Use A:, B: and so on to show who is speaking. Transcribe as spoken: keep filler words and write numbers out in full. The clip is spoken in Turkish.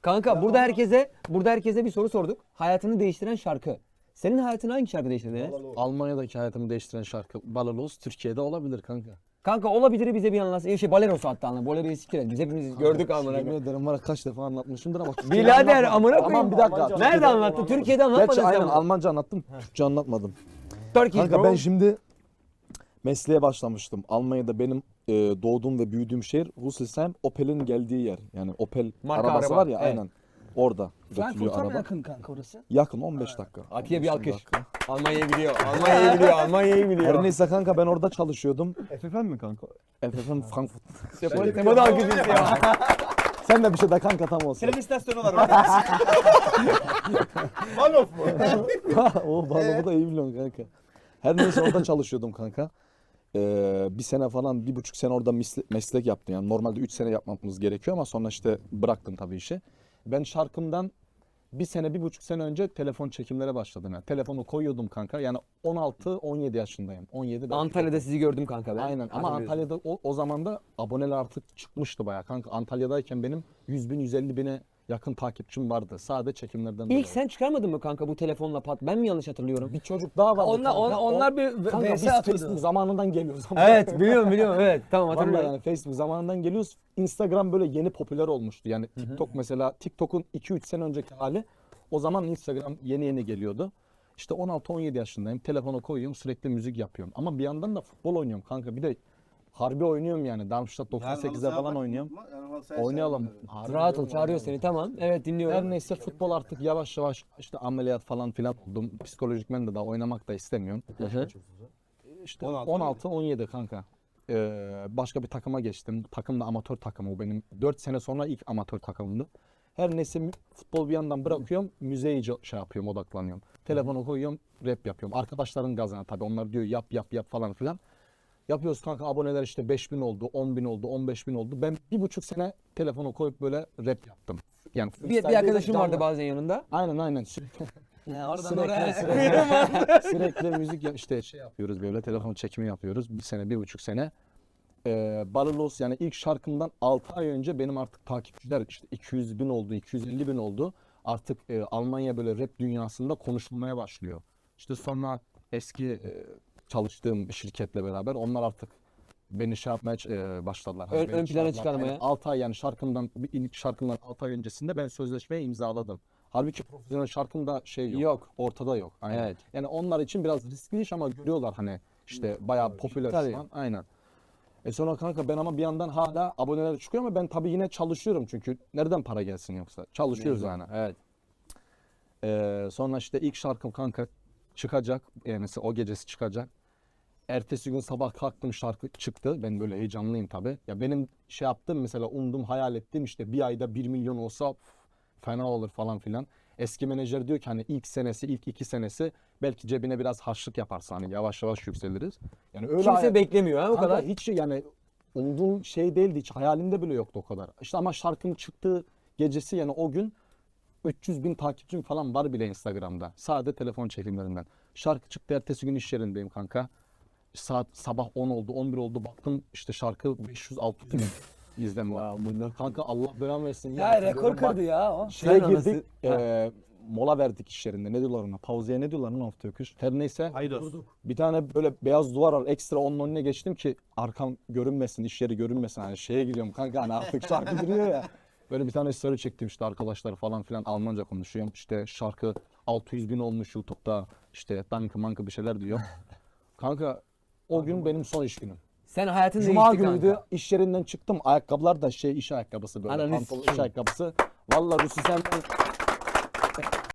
A: Kanka burada herkese burada herkese bir soru sorduk. Hayatını değiştiren şarkı. Senin hayatını hangi şarkı değiştirdi Enes?
B: Almanya'daki hayatımı değiştiren şarkı Balalos Türkiye'de olabilir kanka.
A: Kanka olabilir bize bir anlatsın. Ee, Şey Balerosu hatta anla. Bolero'yu siktir. Biz hepimiz gördük amına
B: Yemin
A: koyayım.
B: ederim var ya, kaç defa anlatmışımdır ama.
A: Birader amına koyayım.
B: Aman bir dakika.
A: Nerede anlattı? Türkiye'de anlatmadın
B: Gerçi
A: sen
B: aynen
A: bunu.
B: Almanca anlattım. Türkçe anlatmadım.
A: Turkey
B: Kanka
A: bro.
B: ben şimdi mesleğe başlamıştım. Almanya'da benim e, doğduğum ve büyüdüğüm şehir Rüsselsheim, Opel'in geldiği yer. Yani Opel
A: Marka
B: arabası
A: araba,
B: var ya
A: evet.
B: aynen. Orada üretiliyor
C: Frankfurt'a mı
B: araba.
C: yakın kanka orası?
B: Yakın on beş dakika.
A: Atiye bir
B: on beş
A: alkış.
B: dakika.
A: Almanya'ya gidiyor. Almanya'ya gidiyor. Almanya'ya gidiyor.
B: Her neyse kanka ben orada çalışıyordum.
D: F F M mi kanka?
B: F F M Frankfurt.
A: Tema da alkış istiyor.
B: Sen de bir şey de kanka tam olsun.
D: Tren istasyonu var orada. Malof mu?
B: O bana bu da iyi biliyorsun kanka. Her neyse orada çalışıyordum kanka. Ee, bir sene falan, bir buçuk sene orada misle- meslek yaptım. Yani normalde üç sene yapmamız gerekiyor ama sonra işte bıraktım tabii işi. Ben şarkımdan bir sene, bir buçuk sene önce telefon çekimlere başladım. Yani telefonu koyuyordum kanka. Yani on altı on yedi yaşındayım. on yedi belki.
A: Antalya'da sizi gördüm kanka ben.
B: Aynen ama
A: Hatırlıyorsun.
B: Antalya'da o, o zaman da aboneler artık çıkmıştı bayağı kanka. Antalya'dayken benim yüz bin yüz elli bine yakın takipçim vardı. Sadece çekimlerden dolayı.
A: İlk sen çıkarmadın mı kanka bu telefonla pat? Ben mi yanlış hatırlıyorum?
B: Bir çocuk daha vardı
C: Onlar,
B: kanka.
C: onlar,
B: O-
C: onlar bir
B: Kanka
C: V
B: biz
C: S atıyordu.
B: Facebook zamanından geliyoruz. ama.
A: Evet biliyorum biliyorum evet tamam
B: Vallahi
A: hatırlıyorum.
B: yani Facebook zamanından geliyoruz. Instagram böyle yeni popüler olmuştu. Yani TikTok mesela TikTok'un iki üç sene önceki hali. O zaman Instagram yeni yeni geliyordu. İşte on altı on yedi yaşındayım. Telefonu koyuyorum sürekli müzik yapıyorum. Ama bir yandan da futbol oynuyorum kanka. Bir de harbi oynuyorum yani. Darmstadt doksan sekizde falan oynuyorum. Oynayalım. Harbi
A: Rahat ol
B: diyorum,
A: çağırıyor
B: oynayalım.
A: seni tamam. Evet dinliyorum.
B: Her neyse futbol artık yavaş yavaş işte ameliyat falan filan oldum. Psikolojik ben de daha oynamak da istemiyorum.
A: hı.
B: İşte on altı on yedi kanka. Ee, başka bir takıma geçtim. Takım da amatör takımı. O benim dört sene sonra ilk amatör takımımdı. Her neyse mü- futbol bir yandan bırakıyorum. Müzeye iyice şey yapıyorum, odaklanıyorum. Telefonu koyuyorum, rap yapıyorum. Arkadaşların gazına tabii. Onlar diyor yap yap yap falan filan. Yapıyoruz kanka, aboneler işte beş bin oldu, on bin oldu, on beş bin oldu. Ben bir buçuk sene telefonu koyup böyle rap yaptım. Yani
A: Bir, bir arkadaşım
B: canlı-
A: vardı bazen yanında.
B: Aynen aynen. Sürekli
C: Ya oradan
B: sürekli,
C: oraya.
B: sürekli, sürekli müzik ya- işte şey yapıyoruz böyle, telefon çekimi yapıyoruz. Bir sene, bir buçuk sene. Ee, Balalos yani ilk şarkımdan altı ay önce benim artık takipçiler işte iki yüz bin oldu, iki yüz elli bin oldu. Artık e, Almanya böyle rap dünyasında konuşulmaya başlıyor. İşte sonra eski e, çalıştığım şirketle beraber onlar artık beni şey yapmaya e, başladılar.
A: Ön-
B: beni
A: ön plana
B: çağırdılar.
A: çıkarmaya.
B: Yani altı ay yani şarkımdan, bir ilk şarkımdan altı ay öncesinde ben sözleşmeyi imzaladım. Halbuki profesyonel şarkımda şey yok,
A: Yok.
B: ortada yok. Aynen.
A: Evet.
B: Yani onlar için biraz riskli iş ama görüyorlar hani işte bayağı popüler
A: Tabii.
B: şu an. Aynen. E sonra kanka ben ama bir yandan hala aboneler çıkıyor ama ben tabii yine çalışıyorum çünkü nereden para gelsin yoksa? Çalışıyoruz yani.
A: Evet.
B: Ee, sonra işte ilk şarkım kanka çıkacak. Yani mesela o gecesi çıkacak. Ertesi gün sabah kalktım şarkı çıktı. Ben böyle heyecanlıyım tabii. Ya benim şey yaptım mesela umdum hayal ettim işte bir ayda bir milyon olsa pf, fena olur falan filan. Eski menajer diyor ki hani ilk senesi, ilk iki senesi belki cebine biraz harçlık yaparsa hani yavaş yavaş yükseliriz. Yani öyle
A: Kimse
B: hayal-
A: beklemiyor ha o
B: Kanka
A: kadar.
B: hiç yani umduğum şey değildi, hiç hayalimde bile yoktu o kadar. İşte ama şarkının çıktığı gecesi yani o gün üç yüz bin takipçim falan var bile Instagram'da. Sadece telefon çekimlerinden. Şarkı çıktı, ertesi gün iş yerindeyim kanka. Saat sabah on oldu, on bir oldu, baktım işte şarkı beş yüz altı bin izlenme var. Kanka Allah belamı versin.
C: Ya rekor kırdı ya o.
B: Şeye
A: Sen
B: girdik,
A: anası-
B: eee, mola verdik iş yerinde. Ne diyorlar ona? Pauzeye ne diyorlar lan hafta öküz? Her neyse.
D: Haydos.
B: Bir tane böyle beyaz duvar var. Ekstra onun önüne geçtim ki arkam görünmesin, iş yeri görünmesin. Hani şeye gidiyorum kanka hani artık şarkı duruyor ya. Böyle bir tane story çektim işte arkadaşlar falan filan Almanca konuşuyorum. İşte şarkı altı yüz bin olmuş YouTube'da. İşte danke manke bir şeyler diyor. Kanka o gün benim son iş günüm.
A: Sen hayatın
B: Cuma
A: değişti
B: günüydü.
A: kanka.
B: İş yerinden çıktım. Ayakkabılar da şey iş ayakkabısı böyle.
A: Ananı
B: Pantolon iş
A: sikeyim.
B: ayakkabısı. Vallahi Rüsü sen